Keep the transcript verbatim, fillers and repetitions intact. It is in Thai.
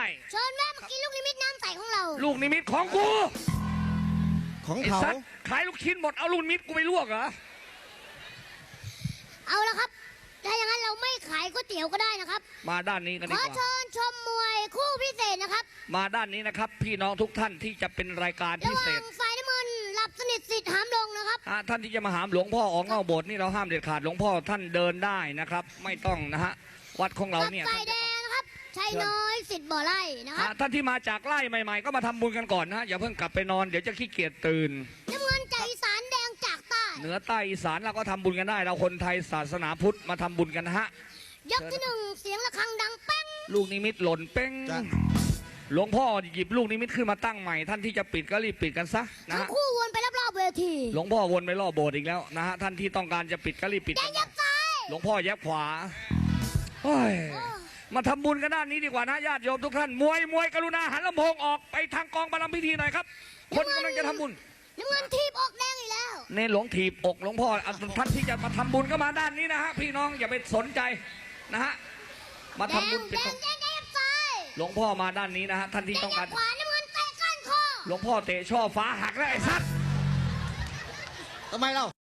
เชิญแม่มากินลูกนิมิตน้ำใสของเราลูกนิมิตของกูของไอ้เขาสัตว์ขายลูกชิ้นหมดเอาลูกนิมิตกูไปลวกเหรอเอาละครับถ้าอย่างนั้นเราไม่ขายก๋วยเตี๋ยวก็ได้นะครับมาด้านนี้กันขดีอกว่าเชิญชมมวยคู่พิเศษนะครับมาด้านนี้นะครับ พี่น้องทุกท่านที่จะเป็นรายการระพิหเศว่าษงฝ่ายน้ำเงินหลับสนิทสิทธิ์หามลงนะครับอ่ะท่านที่จะมาหามหลวงพ่อออกนอกโบสถ์นี่เราห้ามเด็ดขาดหลวงพ่อท่านเดินได้นะครับ ไม่ต้องนะฮะวัดของเรากับเนี่ยฝ่ายแดงนะครับชัยน้อยสิทธิ์บ่อไร่นะคอ่ะรับท่านที่มาจากไร่ใหม่ๆ ก็มาทำบุญกันก่อนนะฮะอย่าเพิ่งกลับไปนอนเดี๋ยวจะขี้เกียจตื่นน้ำเงินจากอีสานแดงจากใต้เหนือใต้อีสานเราก็ทำบุญกันได้ เราคนไทยศาสนาพุทธมาทำบุญกันนะฮะยกที่หนึ่งเสียงระฆังดังแป้งลูกนิมิตหล่นเป้งจ้ะหลวงพ่อหยิบลูกนิมิตขึ้นมาตั้งใหม่ ท่านที่จะปิดก็รีบปิดกันซะนะทั้งฮะคู่วนไปรอบๆเวทีหลวงพ่อวนไปรอบโบสถ์อีกแล้วนะฮะท่านที่ต้องการจะปิดก็รีบปิดแดกังนยันะบซ้ายหลวงพ่อแยบขวาโอ้ยมาทำบุญกันด้านนี้ดีกว่านะญาติโยมทุกท่านมวยมวยกรุณาหันลำโพงออกไปทางกองบารมพิธีหน่อยครับ คนกำลังจะทำบุญน้ำเงินทีบอกแดงอีกแล้วเนรหลวงถีบอกหลวงพ่ออ่ะท่านที่จะมาทำบุญก็มาด้านนี้นะฮะพี่น้องอย่าไปสนใจนะฮะมาแดทำงบุญแดเป็นงแดงแดงยับซ้ายหลวงพ่อมาด้านนี้นะฮะท่านที่แดงต้องยัการบขวาน้ำเงินเตะก้านคอหลวงพ่อเตะช่อฟ้าหักแล้วไอ้สัตว์ทำไมเรา